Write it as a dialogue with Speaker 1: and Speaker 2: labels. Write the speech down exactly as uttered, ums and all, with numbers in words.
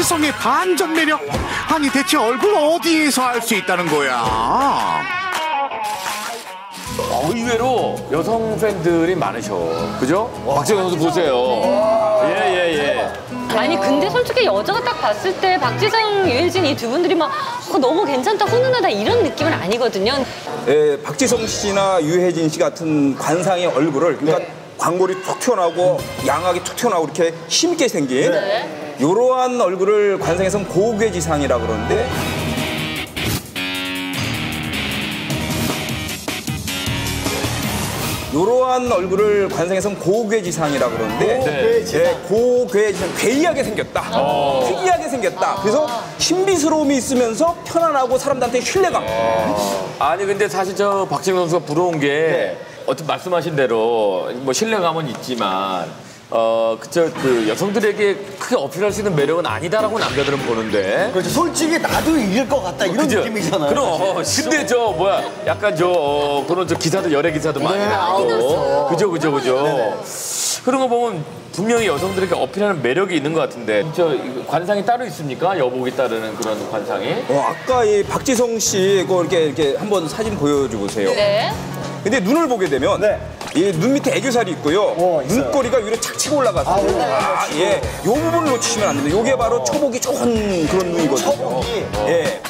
Speaker 1: 박지성의 반전 매력. 아니 대체 얼굴 어디에서 알 수 있다는 거야?
Speaker 2: 어, 의외로 여성 팬들이 많으셔. 그죠? 박지성 선수 보세요. 예, 예, 예.
Speaker 3: 아니 근데 솔직히 여자가 딱 봤을 때 박지성, 유해진 이 두 분들이 막 어, 너무 괜찮다, 훈훈하다 이런 느낌은 아니거든요.
Speaker 4: 예, 박지성 씨나 유해진 씨 같은 관상의 얼굴을 그러니까 네. 광골이 툭 튀어나오고 양악이 툭 튀어나오고 이렇게 힘있게 생긴 네. 이러한 얼굴을 관상에서는 고괴지상이라고 그러는데 이러한 얼굴을 관상에서는 고괴지상이라고 그러는데
Speaker 5: 고괴지상.
Speaker 4: 네, 고괴지상, 괴이하게 생겼다. 어. 특이하게 생겼다. 그래서 신비스러움이 있으면서 편안하고 사람들한테 신뢰감.
Speaker 2: 어. 아니 근데 사실 저 박지성 선수가 부러운 게 네. 어떤 말씀하신 대로 뭐 신뢰감은 있지만 어, 그저 그 여성들에게 크게 어필할 수 있는 매력은 아니다라고 남자들은 보는데.
Speaker 5: 그렇죠. 솔직히 나도 이길 것 같다 이런
Speaker 2: 그죠?
Speaker 5: 느낌이잖아요.
Speaker 2: 그럼. 근데 저 뭐야 약간 저 어, 그런 저 기사도 열애 기사도 많이
Speaker 5: 네,
Speaker 2: 나오고. 그죠, 그죠, 그죠.
Speaker 5: 네네.
Speaker 2: 그런 거 보면 분명히 여성들에게 어필하는 매력이 있는 것 같은데 저 이거 관상이 따로 있습니까? 여복이 따르는 그런 관상이?
Speaker 4: 어, 아까 이 박지성 씨 그 이렇게 이렇게 한번 사진 보여줘 보세요.
Speaker 3: 네.
Speaker 4: 근데 눈을 보게 되면
Speaker 5: 네.
Speaker 4: 이 눈 밑에 애교살이 있고요.
Speaker 5: 어, 있어요.
Speaker 4: 눈꼬리가 위로 착 치고 올라가서.
Speaker 5: 아, 올라가요.
Speaker 4: 아, 예. 요 부분을 놓치시면 안 됩니다. 요게 바로 초복이 좋은 그런 눈이거든요.
Speaker 5: 초복이?
Speaker 4: 예.